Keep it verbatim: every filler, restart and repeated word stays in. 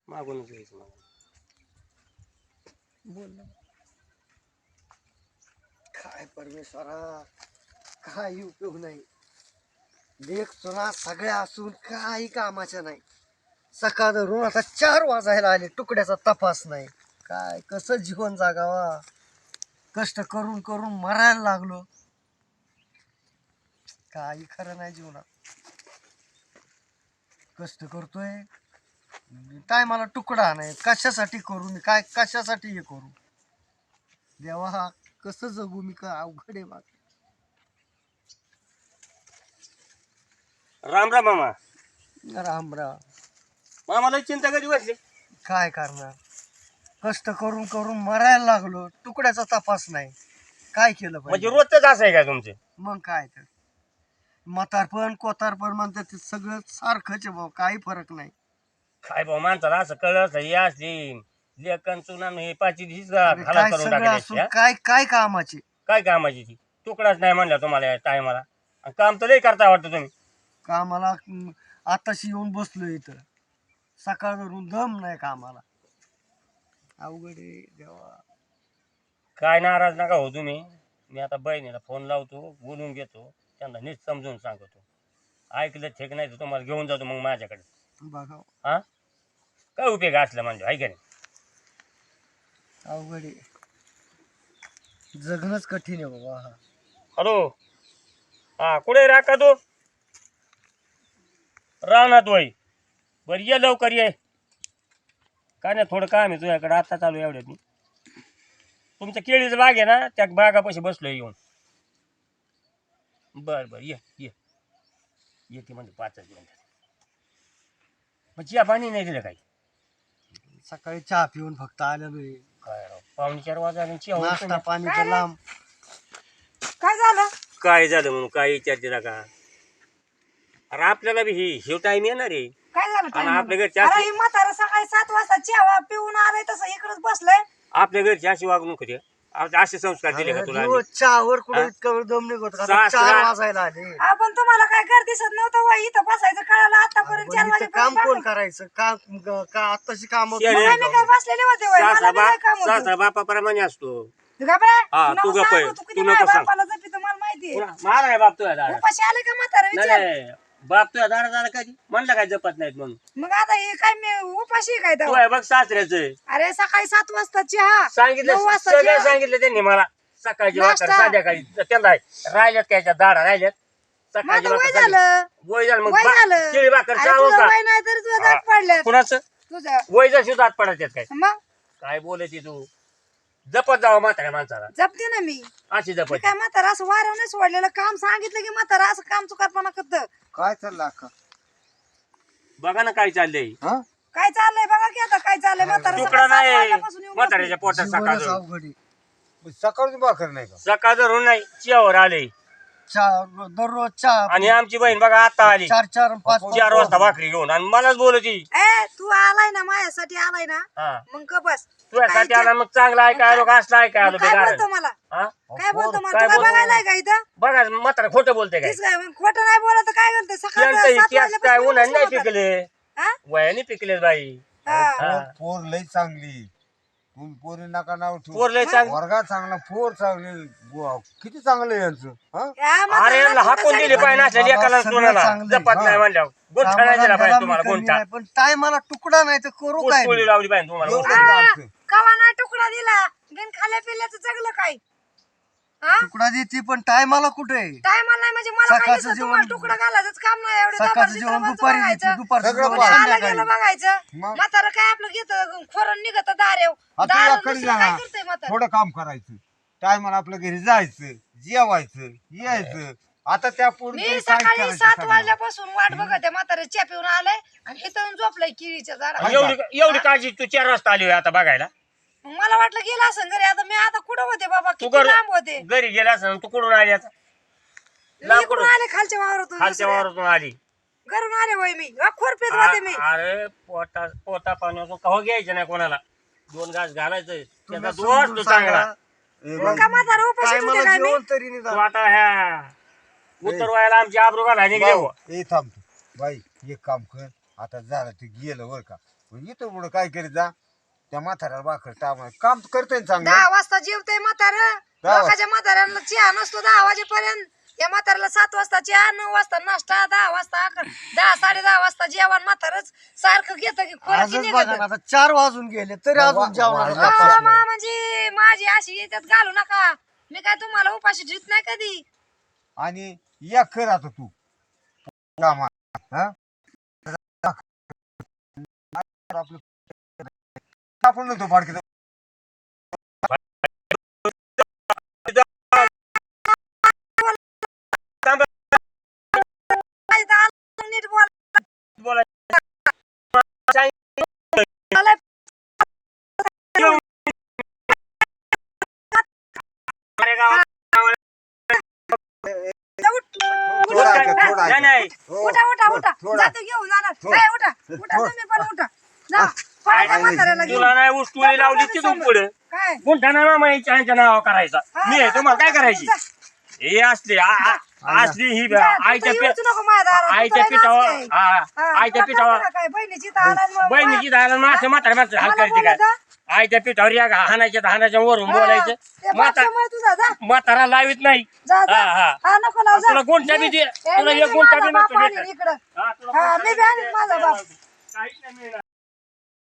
मागूनच यायचं मला. बोल ना. काय परमेश्वरा, काही उपयोग नाही. लेख तुला सगळ्या असून काही कामाच्या नाही. सकाळ धरून आता चार वाजायला आले, तुकड्याचा तपास नाही. काय कसं जीवन जागावा, कष्ट करून करून मरायला लागलो. काही खरं नाही जीवनात. कष्ट करतोय काय, मला तुकडा नाही. कशासाठी करू मी, काय कशासाठी हे करू देवा, कसं जगू मी, का अवघड आहे माझं. राम राम मामा. राम राम. मामाला चिंता कधी बसली? काय करणार, कष्ट करून करून मरायला लागलो, तुकड्याचा तपास नाही. काय केलं म्हणजे पाहिजे? रोजच असं आहे का तुमचे? मग काय तर म्हातारपण कोतारपण म्हणतात ते सगळं सारखंच आहे भाऊ, काही फरक नाही. काय भाऊ, माणसाला असं कळलं असं हे असली लेखन चुना हे पाची दिवशी अरे घाला काय करून सगळं असून टाकायची. काय काय कामाचे. काय कामाची ती? तुकडाच नाही म्हणला तुम्हाला या टायमाला. काम तर लई करता वाटतं तुम्ही. कामाला हम्म, आताशी येऊन बसलो इथं, सकाळ धरून दम नाही कामाला. अवघड आहे देवा. काय नाराज नका हो तुम्ही. मी आता बहिणीला फोन लावतो, बोलून घेतो, त्यांना नीट समजून सांगतो. ऐकलं ठीक नाही तर तुम्हाला घेऊन जातो मग माझ्याकडे. बघा हा, काय उपयोग असला म्हणजे आहे का नाही? अवघड आहे, जगणंच कठीण आहे बाबा. हा हॅलो, हा कुठे राखा तू? राहणार वय. बरं ये लवकर ये. काय नाही, थोडं काम आहे तुझ्याकडे, आता चालू एवढ्यात मी. तुमच्या केळीचं बाग आहे ना, त्या बागापाशी बसलोय येऊन. बर बर ये ये येते म्हणजे पाचच मिनिटात. मग चिया पाणी नाही दिलं काही? सकाळी चहा पिऊन फक्त आलेलो आहे. काय राव, पावणे चार वाजता चिया होईल नाश्ता तुम्ही? पाणी तर लांब. काय झालं? काय झालं म्हणून काय विचारते का? अरे आपल्याला बी ही शिव टाइम येणार आहे. काय झालं आणि time आपल्या ला? घरची अरे अशी ही म्हातारा सकाळी सात वाजता चहा पिऊन आलाय तसं इकडच बसलंय. आपल्या घरची अशी वागणूक होती. असे संस्कार दिले का तुला आम्ही? दिवस चहावर कुठे हा? इतका वेळ दम निघत का? सासरा- चार वाजायला आले. आपण तुम्हाला काय घर दिसत नव्हतं वय इथं बसायचं कळालं आतापर्यंत पण चार इथं वाजेपर्यंत काम कोण बघा. करायचं? काम का आताशी काम शेण मग आहे. आम्ही काय बसलेले होते वय मला सासरा बी काय काम बाप होतं. सासरा बापाप्रमाणे असतो. तू घाबरा. हा, तू तू नको गप्प आहे. सांगू, तू किती तू माझ्या नको सांग. बापाला जपी मला माहितीये. पुन्हा मारा आहे बाप तुझ्या दारा. उपाशी आले का म्हातारा नाही विचार. नाही, बाप तुझ्या दारा दारा कधी म्हणलं काय जपत नाहीत म्हणून. मग आता हे काय मी उपाशी आहे काय तू तेव्हा? आहे बघ सासऱ्याच अरे सकाळी सात वाजता चहा, सांगितलं, नऊ वाजता सगळं चहा. सांगितलं त्यांनी मला. सकाळची वाकर नाश्ता. संध्याकाळी त्यांना राहिल्यात त्याच्या दारा राहिल्यात. मग सकाळची आता वय भाकर झालं. वय झालं मग वय बा- झालं. केळी भाकर अरे चावू तुझं का? वय नाही तरी तुझं दात पडल्यात. कुणाचं तुझं वय जशी दात पडायच्यात काय? मग काय बोलायची तू? जपत जावं म्हाताऱ्या माणसाला. जपते ना मी. अशी मी जपत. काय म्हातारा असं वाऱ्यावर नाही सोडलेलं. काम सांगितलं की म्हातारा असं काम चुकारपणा करत. काय चाललं अक्का? बघा ना काय चाललंय. हा काय चाललंय बघा की आता काय चाललंय म्हातारा तुकडा सकाळी सात नाही वाजल्यापासून येऊन म्हाताऱ्याच्या पोटात सकाळ जीवनच धरून. अवघड आहे. सकाळची भाकर नाही का? सकाळ धरून नाही चियावर आले. चहा दररोज चहा आणि आमची बहीण बघा आता आली चार चार पाच चार वाजता भाकरी घेऊन आणि मलाच बोलती. ए तू आलाय ना माझ्यासाठी आलाय ना हा, मग का बस. तुझ्यासाठी आला मग चांगला ऐका आलो का असला ऐका आलो मग काय बेकार. बोलतो मला? हा, काय बोलतो मला? काय तू काय बोलतो? बघायलाय का इथं? बघा म्हातारा खोटं बोलते काय? तीच काय मग खोटं नाही बोलत तर काय करते? सकाळी त्यांचं सात इतिहास काय वाजल्यापासून उन्हाने नाही बसलो होतो. पिकले, हा? वयाने पिकले बाई. हा. हा. पोर पोर लई चांगली. तुम्ही पोरी नका नाव ठेवू. पोर लय चांग वर्गात चांगला, पोर चांगली. वा, किती चांगलं आहे यांचं. हा? या अरे म्हाताऱ्याला यांना हाकून तुझ्यासाठी दिली पाहिजे असल्या बाबा, एकाला सगळं कोणाला चांगलं आहे. जपत नाही म्हणल्यावर गोठा नाही दिला पाहिजे तुम्हाला. गोठा पण टायमाला तुकडा नाही तर करू काय पोळी मी? लावली पाहिजे तुम्हाला. एवढं गोठा. आमचं. कवा नाही तुकडा दिला बिन खाल्या पिल्याचं जगलं काय? हा तुकडा देते पण टायमाला कुठे? टायमाला नाही म्हणजे मला काय सकाळचं दिसत जेवण- तुम्हाला तुकडा घालायचंच काम नाही. एवढे सकाळचं दाबाड जेवण चित्रपट दुपारी बघायचं. देते, दुपारचं सगळं जेवण पाहिजे. आलं संध्याकाळी. गेलं बघायचं. मग? म्हातारं काय आपलं घेतं खोरण निघत दारेव. आता दार याकडे दुसरं जा काय ना. करतंय म्हातारं? थोडं काम करायचं. टायमाला आपल्या घरी जायचं, जेवायचं, यायचं. आता त्या पोरी मी सकाळी सात वाजल्यापासून वाट बघत म्हातारे च्या पिऊन आलंय आणि इथं येऊन झोपलंय किळीच्या झाडावर. एवढी एवढी काळजी तू चार वाजता आली होय आता बघायला. मग मला वाटलं गेला असं घरी. आता मी आता कुठं होते बाबा? तू किती घर लांब होते. घरी गेला असं तू कुठून आली आता? मी इकडून आले खालच्या वावरातून. खालच्या दुसऱ्या. वावरातून आली. घरून आले होय मी. अ, खुरपीत होते मी. आ- अरे पोटा पोटा पाण्यातून कवा घ्यायचं नाही कोणाला. दोन घास घालायचं त्याचा तुम्ही दोष समजून तू चांगला. सांगा. मग का म्हातारं उपाशीच होते टायमाला काय मी? जेवण तरी तू निदान. आता ह्या उत्तर वयाला आमची आबरू घालायला निघले हो. ए थांब तू. बाई एक काम कर. आता झालं ते गेलं बर का. इथं पुढं काय करीत जा त्या म्हाताऱ्याला भाकर टाक काम करतोय चांगलं दहा वाजता जेवतय म्हातार दहा लोकांच्या म्हाताऱ्यांना चहा नसतो दहा वाजेपर्यंत. या म्हाताऱ्याला सात वाजता चहा, नऊ वाजता नाश्ता, दहा वाजता अकरा, दहा साडे दहा वाजता जेवण. म्हातारच सारखं घेतं की खोला की आजच बघा ना आता चार वाजून गेले तरी वा- अजून जेवणाचा वा- तपास हा, नाही. मा म्हणजे माझी अशी याच्यात घालू नका. मी काय तुम्हाला उपाशी ठेवत नाही कधी. आणि या कर आता तू कामा हा आपलं आपण नव्हतो फाडकी नीट बोल. बोला अरे गावात थोडा ऐका, थोडा नाही ऐका. नाही हो, उठा उठा थो- उठा थोडा जातो घेऊन जाणार. थो- ए, उठा उठा थो- तुम्ही पण उठा. जा पळा त्या म्हाताऱ्याला घेऊन. तुला नाही उस्तुरी लावली तिथून पुढे काय कोणत्या नामा यांच्या नाव करायचा हा, मी आहे तुम्हाला काय करायची जा. हे असली आ- आ- असली ही जा, आईच्या तू तर पी येऊच नको माझ्या दारात. तू आईच्या तर पिठावर नाच काय. हा, हा, आईच्या तुला पिठावर कळतं का काय बहिणीची तर आला आणि मग- बहिणीची दादा मासे म्हातारे माणसं हाल मला करायची काय बोलायचं? आईच्या पिठावर या हाणायच्या हाणाच्या वरून हा, बोलायचं ते म्हाता बापशामुळे तुझा जा म्हातारा लावित नाही जा जा. हा, हा. हा, नको लावू, जा. तुला गोंठ्या बी दे- ए, तुला मी एक बी गोंठ्या माझा बी बाप नसतो आणीन भेटत. इकडं. हा, तुला हा, गोंठ्या मी बी बी आणीन माझा बाप. काहीच नाही मिळणार